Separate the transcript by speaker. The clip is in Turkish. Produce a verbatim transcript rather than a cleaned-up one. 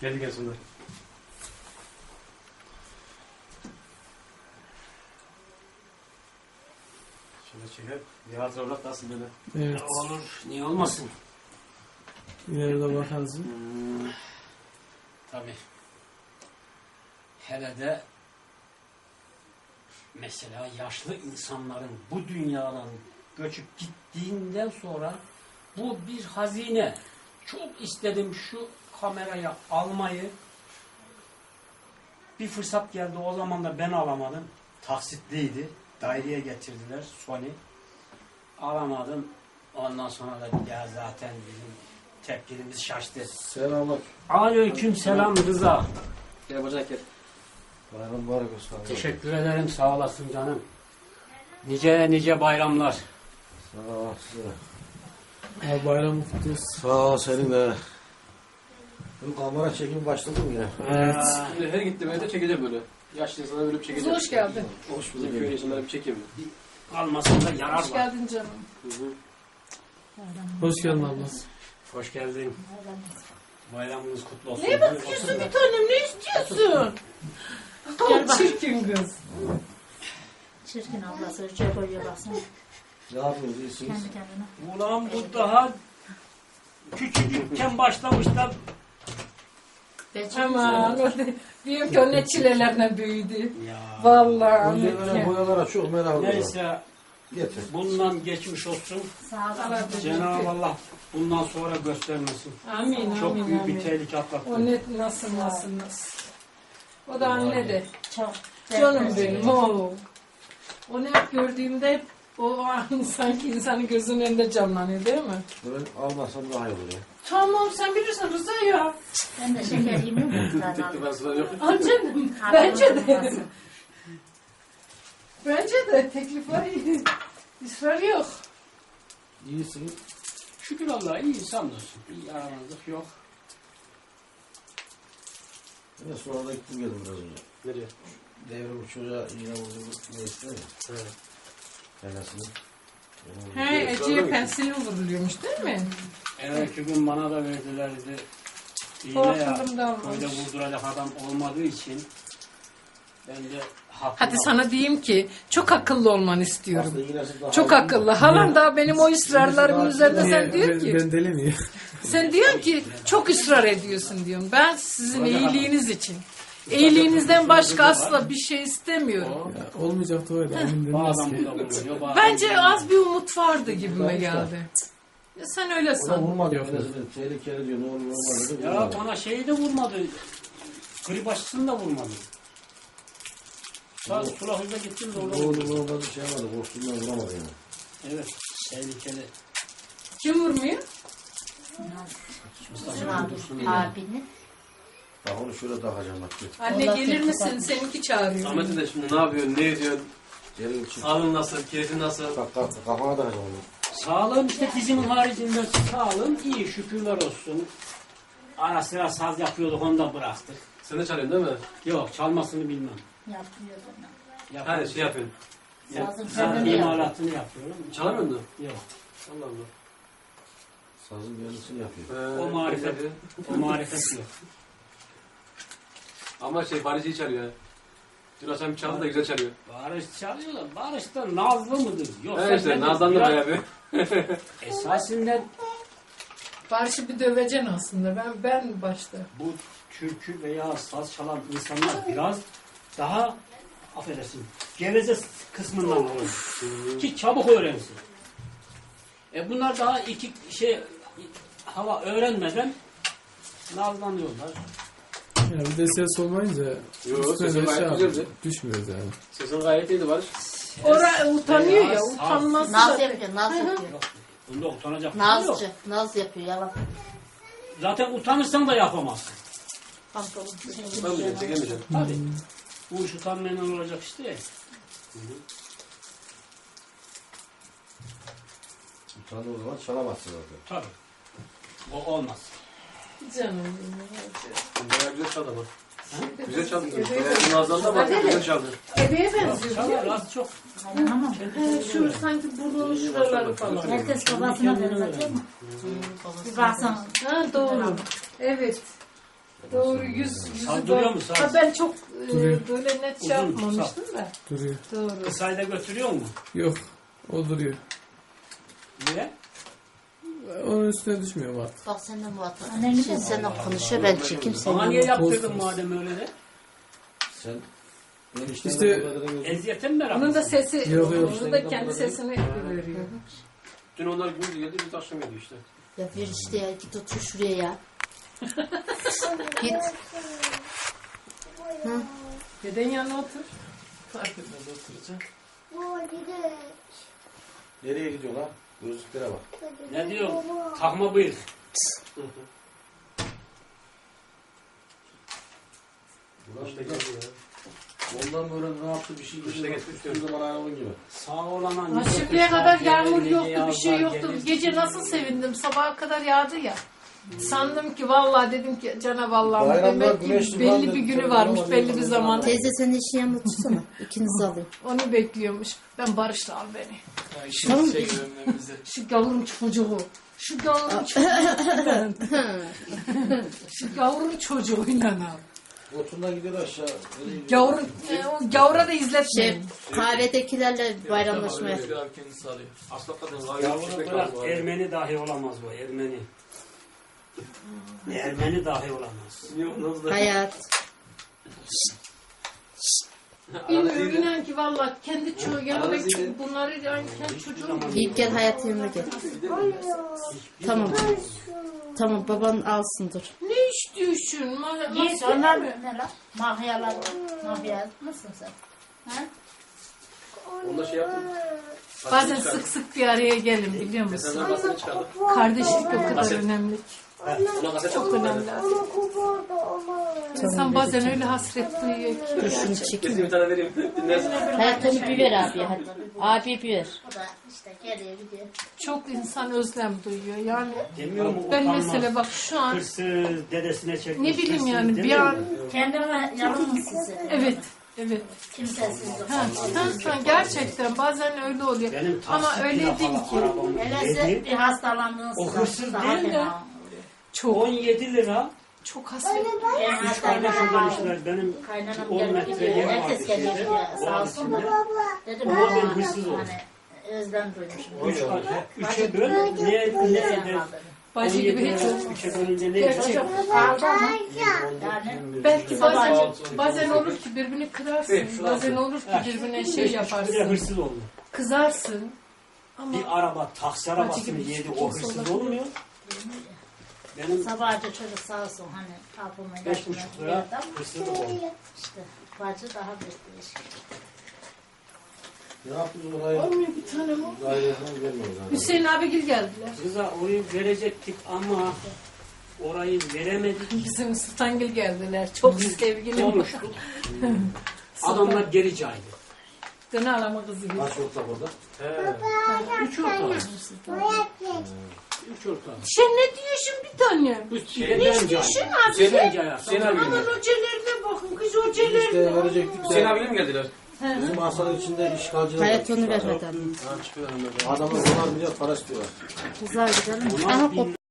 Speaker 1: Geldi gelsinler. Şöyle çekelim. Bir hatıra bırak nasıl böyle?
Speaker 2: Evet.
Speaker 3: Olur. Niye olmasın?
Speaker 2: İleride bakarız.
Speaker 3: Hmm, tabii. Hele de mesela yaşlı insanların bu dünyadan göçüp gittiğinden sonra bu bir hazine. Çok istedim şu kamerayı almayı. Bir fırsat geldi, o zaman da ben alamadım. Taksitliydi. Daireye getirdiler Sony. Alamadım. Ondan sonra da bir daha zaten bizim tepkimiz şaştı.
Speaker 4: Selamlar.
Speaker 3: Aleyküm selam Rıza.
Speaker 4: Gel bacak gel. Bayram mübarek olsun.
Speaker 3: Teşekkür ederim, sağ olasın canım. Nice nice bayramlar.
Speaker 4: Sağ ol size.
Speaker 2: Abi bayram kutlu olsun.
Speaker 4: Sağ ol senin de. Bu kamera çekimi başladı mı yine?
Speaker 2: Evet.
Speaker 1: Şimdi her gittiğim evde çekeceğim böyle. Yaşlı insanlara böyle bir çekeceğim.
Speaker 5: Hoş geldin.
Speaker 4: Hoş
Speaker 1: Bizim köy insanlara bir çekeyim.
Speaker 3: Almasında yarar
Speaker 5: Hoş
Speaker 3: var.
Speaker 5: geldin canım.
Speaker 1: Hı hı.
Speaker 2: Hoş geldin ablası.
Speaker 3: Hoş geldin. Bayramınız kutlu olsun.
Speaker 5: Ne bakıyorsun bir tanem, ne istiyorsun?
Speaker 6: Gel bak.
Speaker 5: Çirkin kız.
Speaker 6: Çirkin ablası ölçüye koyuyor baksana.
Speaker 4: Ne yapıyorsunuz? İyisiniz?
Speaker 6: Kendi kendine.
Speaker 3: Ulan bu daha küçücükken başlamış da
Speaker 5: Aman diyorum ki o ne çilelerle büyüdü.
Speaker 3: ya.
Speaker 5: Vallahi
Speaker 4: Önce böyle
Speaker 5: anlatayım.
Speaker 4: boyalara çok merak ediyorum.
Speaker 3: Neyse
Speaker 4: Getir.
Speaker 3: bundan geçmiş olsun.
Speaker 6: Sağ ol.
Speaker 3: Cenab-ı Allah bundan sonra göstermesin.
Speaker 5: Amin
Speaker 3: Çok
Speaker 5: amin
Speaker 3: büyük bir
Speaker 5: amin.
Speaker 3: tehlike atlattı.
Speaker 5: O ne nasıl nasıl nasıl. O da anne de.
Speaker 6: Çok.
Speaker 5: Canım benim o. Onu hep gördüğümde hep o an sanki insanın gözünün önünde canlanıyor değil mi?
Speaker 4: Ben almasam daha iyi olur ya.
Speaker 5: Tamam sen bilirsin Rıza ya.
Speaker 6: Ben de şeker yemiyorum.
Speaker 1: Tek ben sıra yok.
Speaker 5: Al canım. Bence de. Bence de teklif var. İsrar yok.
Speaker 4: İyisiniz.
Speaker 3: Şükür Allah'a iyi sanmıyorsun. Bir yaramazlık yok.
Speaker 4: Ben sonra da gittim geldim biraz önce.
Speaker 1: Nereye?
Speaker 4: Devrim çocuğa iğne vurdu. Ne istiyor ya?
Speaker 1: Evet.
Speaker 4: Kendisini.
Speaker 5: He, Ece'ye pensil vuruluyormuş değil mi?
Speaker 3: Evet, gün bana da verdiler dedi. İğne
Speaker 5: O
Speaker 3: ya,
Speaker 5: aklımda olmuş.
Speaker 3: öyle vurduracak adam olmadığı için ben de haklı.
Speaker 5: Hadi sana diyeyim ki çok akıllı olmanı istiyorum.
Speaker 4: Aslında iğnesi daha
Speaker 5: Çok
Speaker 4: iyi.
Speaker 5: akıllı. Halam da benim o ısrarlarımın üzerinde sen diyor
Speaker 2: Ben,
Speaker 5: ki
Speaker 2: ben deli miyim?
Speaker 5: sen diyorsun ki çok ısrar ediyorsun diyorum. Ben sizin iyiliğiniz için. İyiliğinizden başka asla bir şey istemiyorum.
Speaker 2: Ya, olmayacaktı öyle. Emin
Speaker 3: Bazen
Speaker 2: denmez
Speaker 3: bu da
Speaker 2: ki.
Speaker 3: vuruyor. bazen
Speaker 5: Bence
Speaker 3: vuruyor.
Speaker 5: az bir umut vardı gibime geldi. Ya sen öyle
Speaker 4: O da
Speaker 5: san.
Speaker 4: vurmadı.
Speaker 2: Yok.
Speaker 4: Enesini tehlikeli diyor. Ne olur olmaz dedi.
Speaker 3: Ya
Speaker 4: vurmadı.
Speaker 3: bana şeyi de vurmadı. Grip aşısını da vurmadı. Sağ sula hızla gittim de orada
Speaker 4: Ne
Speaker 3: vurdu.
Speaker 4: olur olmaz bir şey yapmadı. Korktuğundan vuramadı yani.
Speaker 3: Evet, tehlikeli.
Speaker 5: Kim vurmuyor?
Speaker 3: Mustafa Dursun.
Speaker 6: Abini.
Speaker 4: Bak onu şöyle takacağım bak. Git.
Speaker 5: Anne
Speaker 6: Allah
Speaker 5: gelir
Speaker 6: seni
Speaker 5: misin?
Speaker 6: kurtarsın.
Speaker 5: Seninki çağırıyor.
Speaker 1: Ahmet'in de şimdi ne yapıyorsun, ne ediyorsun?
Speaker 4: Gelin çık.
Speaker 1: Sağlığın nasıl, keyfin nasıl?
Speaker 4: Bak kalk, kafana takacağım onu.
Speaker 3: Sağlığım işte dizimin haricinde sağlığım iyi, şükürler olsun. Ara sıra saz yapıyorduk, onu da bıraktık.
Speaker 1: Sen de çalıyorsun değil mi?
Speaker 3: Yok, çalmasını bilmem.
Speaker 6: Yapıyor bana.
Speaker 3: Yaparım.
Speaker 1: Her şey yapıyorsun.
Speaker 6: Sazın
Speaker 3: Ben
Speaker 6: kendini yapıyor.
Speaker 3: imalatını yapıyorum.
Speaker 1: Çalamıyor musun?
Speaker 3: Yok.
Speaker 1: Allah Allah.
Speaker 4: Sazın kendisini yapıyor.
Speaker 1: Ee,
Speaker 3: O marifet,
Speaker 1: güzel.
Speaker 3: o marifet yok.
Speaker 1: Ama şey Barış'ı çalıyor. Dün akşam çaldı da güzel çalıyor.
Speaker 3: Barış çalıyor da Barış da nazlı mıdır? Yoksa
Speaker 1: He işte
Speaker 3: nedir?
Speaker 1: Naz'dan da
Speaker 3: Biraz-
Speaker 1: bayağı bir.
Speaker 3: Esasında
Speaker 5: Barış'ı bir döveceksin aslında. Ben ben başta.
Speaker 3: bu türkü veya saz çalan insanlar biraz daha affedersin geveze kısmından olur. Ki çabuk öğrensin. E bunlar daha iki şey hava öğrenmeden nazlanıyorlar.
Speaker 2: Ya bir de ses olmayınca
Speaker 1: Yok,
Speaker 2: üstüne
Speaker 1: sesin
Speaker 2: de şey
Speaker 1: gayet
Speaker 2: yapıyor,
Speaker 1: güzeldi.
Speaker 2: düşmüyoruz yani.
Speaker 1: Sesin gayet iyiydi Barış.
Speaker 5: Oraya utanıyor
Speaker 3: Veya
Speaker 5: ya.
Speaker 3: saz.
Speaker 5: Utanması
Speaker 6: Naz
Speaker 5: da.
Speaker 6: yapıyor, naz yapıyor.
Speaker 3: Yok. Bunda utanacak bir şey yok.
Speaker 6: Nazcı, naz yapıyor yalan.
Speaker 3: Zaten utanırsan da yapamazsın.
Speaker 6: Pantolon.
Speaker 1: Tutamayacağım, çekemeyeceğim.
Speaker 3: Tabii. Bu iş utanmayla olacak işte.
Speaker 4: Utandığı zaman çalamazsın zaten.
Speaker 3: Tabii. O olmaz.
Speaker 5: Canım benim.
Speaker 1: Bayağı güzel çaldı ama. Güzel çaldı. Bayağı Naz'dan da bayağı güzel çaldı.
Speaker 5: Bebeğe benziyor.
Speaker 3: Çalar az çok.
Speaker 6: Kaynanamam.
Speaker 5: He, şu sanki burnunun şuraları falan.
Speaker 6: Herkes babasına benziyor mu? Bir baksana.
Speaker 5: Ha doğru. Evet. Doğru yüz, yüzü
Speaker 3: Saldırıyor
Speaker 5: böyle-
Speaker 3: mu saz?
Speaker 5: Ha, ben çok e,
Speaker 2: Duruyor.
Speaker 5: böyle net şey
Speaker 3: Uzun,
Speaker 5: yapmamıştım da.
Speaker 2: Duruyor.
Speaker 5: Doğru.
Speaker 3: Kısayla götürüyor mu?
Speaker 2: Yok. O duruyor.
Speaker 3: Niye?
Speaker 2: Onun üstüne düşmüyor mu artık?
Speaker 6: Bak sen de muhatap. Annen şimdi seninle konuşuyor ben çekeyim
Speaker 3: Bana
Speaker 6: seni.
Speaker 3: niye yaptırdın
Speaker 2: Olsun.
Speaker 3: madem öyle de?
Speaker 4: Sen
Speaker 2: İşte-
Speaker 4: işte
Speaker 3: Eziyete mi merak
Speaker 5: Onun da
Speaker 3: mısın?
Speaker 5: sesi,
Speaker 2: Yok, yok.
Speaker 5: onun da kendi sesini veriyor.
Speaker 1: Dün onlar gündüz geldi, bir akşam geldi işte.
Speaker 6: Ya ver işte ya git otur şuraya ya. Git.
Speaker 5: Deden yanına otur.
Speaker 2: Fark etmez oturacak.
Speaker 4: nereye gidiyor lan? Gözlüklere bak.
Speaker 3: Ne diyor? Takma bıyık.
Speaker 4: Ulan
Speaker 1: İşte
Speaker 4: işte
Speaker 1: geldi ya.
Speaker 4: ondan böyle ne yaptı bir şey
Speaker 1: İşte
Speaker 4: gidiyor.
Speaker 1: geçmiş
Speaker 4: Üstü zaman aynı gibi.
Speaker 3: Sağ olana
Speaker 5: Ha,
Speaker 3: nice
Speaker 5: şimdiye
Speaker 3: kışlar
Speaker 5: kadar
Speaker 3: gelir,
Speaker 5: yağmur
Speaker 3: nice
Speaker 5: yoktu, bir şey
Speaker 3: yazlar
Speaker 5: yoktu.
Speaker 3: gelir.
Speaker 5: Gece nasıl sevindim, sabaha kadar yağdı ya. Sandım ki vallahi dedim ki Cenab-ı Allah'ım
Speaker 4: Bayramlar
Speaker 5: demek ki
Speaker 4: güneşli
Speaker 5: belli
Speaker 4: falan
Speaker 5: bir
Speaker 4: dedi,
Speaker 5: günü
Speaker 4: tabii
Speaker 5: varmış,
Speaker 4: ama
Speaker 5: belli bir
Speaker 4: yağmur
Speaker 5: zaman.
Speaker 6: Teyze sen işin yanına tutsana. İkinizi alayım.
Speaker 5: Onu bekliyormuş. Ben Barış'la al beni.
Speaker 2: Ya işin şey görünmem bize.
Speaker 5: Şu gavurun çocuğu. Şu gavurun çocuğuyla. Şu gavurun çocuğuyla al.
Speaker 4: Otundan gidiyor aşağı. Nereye gidiyor?
Speaker 5: Gavurun, e, o gavura da
Speaker 6: Şey
Speaker 5: izletmeyin.
Speaker 6: kahvedekilerle bayramlaşmaya.
Speaker 2: Biraz kendisi arıyor.
Speaker 1: Asla kadın gayet
Speaker 3: Yavrum
Speaker 1: pişmek
Speaker 3: bırak,
Speaker 1: lazım. abi.
Speaker 3: Ermeni dahi olamaz bu, Ermeni. Ermeni dahi olamaz.
Speaker 1: Niye olmaz da?
Speaker 6: Hayat.
Speaker 5: Bilmiyorum inan ki vallahi kendi çocuğu yanına bunları yani kendi çocuğum.
Speaker 6: Giyip gel hayat yanına gel. Tamam. Tamam baban alsın dur.
Speaker 5: Ne istiyorsun? Ma
Speaker 6: Yiğit
Speaker 5: masaya
Speaker 6: onlar
Speaker 5: mı?
Speaker 6: ne lan? Mahyalar. Mahya mısın sen? Ha?
Speaker 1: Onda şey yaptım.
Speaker 5: Bazen sık sık bir araya gelin biliyor musun?
Speaker 1: Senden basını çıkardık.
Speaker 5: Kardeşlik o kadar
Speaker 1: Kaset.
Speaker 5: önemli.
Speaker 1: Ona kaset
Speaker 5: Çok
Speaker 1: yaptım.
Speaker 5: önemli. İnsan bazen öyle hasret duyuyor ki.
Speaker 6: Dur şunu
Speaker 1: Kesin
Speaker 6: çekeyim.
Speaker 1: bir tane vereyim. Dinlersin.
Speaker 6: Hayat onu bir ver abi hadi. Abi bir ver. O da işte geriye gidiyor.
Speaker 5: Çok insan özlem duyuyor. Yani
Speaker 3: Demiyor mu
Speaker 5: ben
Speaker 3: utanmaz?
Speaker 5: mesela bak şu an
Speaker 3: Hırsız dedesine çekmiş.
Speaker 5: ne bileyim
Speaker 3: hırsız
Speaker 5: yani bir
Speaker 3: demiyor
Speaker 5: an
Speaker 3: mu?
Speaker 6: Kendime yalnız sizi.
Speaker 5: evet evet.
Speaker 6: Kimsesiz.
Speaker 5: Ha, ha, ha, gerçekten bazen öyle oluyor.
Speaker 3: Benim
Speaker 5: Ama
Speaker 3: taksi
Speaker 5: öyle
Speaker 3: plakalı
Speaker 5: değil ki.
Speaker 3: arabam
Speaker 6: Hele
Speaker 3: yedi,
Speaker 6: bir hastalandığınız
Speaker 3: O hırsız
Speaker 6: daha
Speaker 3: değil de-
Speaker 6: fena oluyor.
Speaker 5: Çok
Speaker 3: on yedi lira.
Speaker 5: çok hasret.
Speaker 6: Benim
Speaker 3: Üç kardeşim demişler benim
Speaker 6: Kaynanam
Speaker 3: on
Speaker 6: gelip
Speaker 3: metre
Speaker 6: gidiyor.
Speaker 3: yer var
Speaker 6: Herkes geliyor
Speaker 3: içinde.
Speaker 6: diyor.
Speaker 3: O
Speaker 6: Sağ
Speaker 3: an
Speaker 6: olsun.
Speaker 3: içinde.
Speaker 6: Dedim
Speaker 3: Ama
Speaker 6: ben
Speaker 3: ben hırsız oldum.
Speaker 6: hani özlem duymuşum.
Speaker 3: Üç kardeş. Üçe böl. Niye ne eder?
Speaker 5: Bacı gibi hiç
Speaker 3: Üçe bölünce ne
Speaker 5: Gerçek.
Speaker 3: eder?
Speaker 6: Kaldı ama yani
Speaker 5: belki bazen bazen olur ki birbirini kırarsın. Bazen olur ki birbirine şey
Speaker 3: Bir de
Speaker 5: yaparsın.
Speaker 3: hırsız oldu.
Speaker 5: Kızarsın. Ama
Speaker 3: Bir araba taksi arabasını
Speaker 5: gibi
Speaker 3: yedi.
Speaker 5: hiçbir
Speaker 3: O
Speaker 5: kimse
Speaker 3: hırsız
Speaker 5: olabilir.
Speaker 3: olmuyor. Benim
Speaker 6: sabahca çocuk sağ olsun hani kapımı
Speaker 3: beş buçuk lira hırsızlık oldu.
Speaker 6: işte bacı daha bir değişik.
Speaker 4: Ne yaptınız oraya?
Speaker 5: olmuyor bir tane mi?
Speaker 4: Gayret falan vermiyoruz yani.
Speaker 5: Hüseyin abigil geldiler.
Speaker 3: Kıza orayı verecektik ama orayı veremedik.
Speaker 5: Bizim Sultangil geldiler. Çok sevgili.
Speaker 3: Konuştuk. Adamlar geri caydı.
Speaker 5: Döne alama kızı gibi.
Speaker 4: Kaç ortak orada?
Speaker 1: He.
Speaker 3: Üç ortağı. Üç ortağı.
Speaker 5: Sen ne diyorsun bir tane?
Speaker 3: Bu
Speaker 5: Ne
Speaker 3: şeyden
Speaker 5: istiyorsun
Speaker 3: caydı.
Speaker 5: abi?
Speaker 3: Şeyden caydı.
Speaker 1: Hüseyin abi
Speaker 5: Aman
Speaker 1: geldi.
Speaker 5: hocalarına bakın kız
Speaker 4: İşte
Speaker 5: hocalarına.
Speaker 4: verecektik
Speaker 1: Hüseyin
Speaker 4: de
Speaker 1: abiyle mi geldiler?
Speaker 4: bizim hastanın içinde işgalciler
Speaker 6: Hayat
Speaker 4: var.
Speaker 6: onu ver hadi.
Speaker 1: Ha çıkıyorlar.
Speaker 4: Adamlar onlar milyar para istiyorlar.
Speaker 6: Güzel gidelim.
Speaker 3: Ona
Speaker 6: Aha
Speaker 3: bin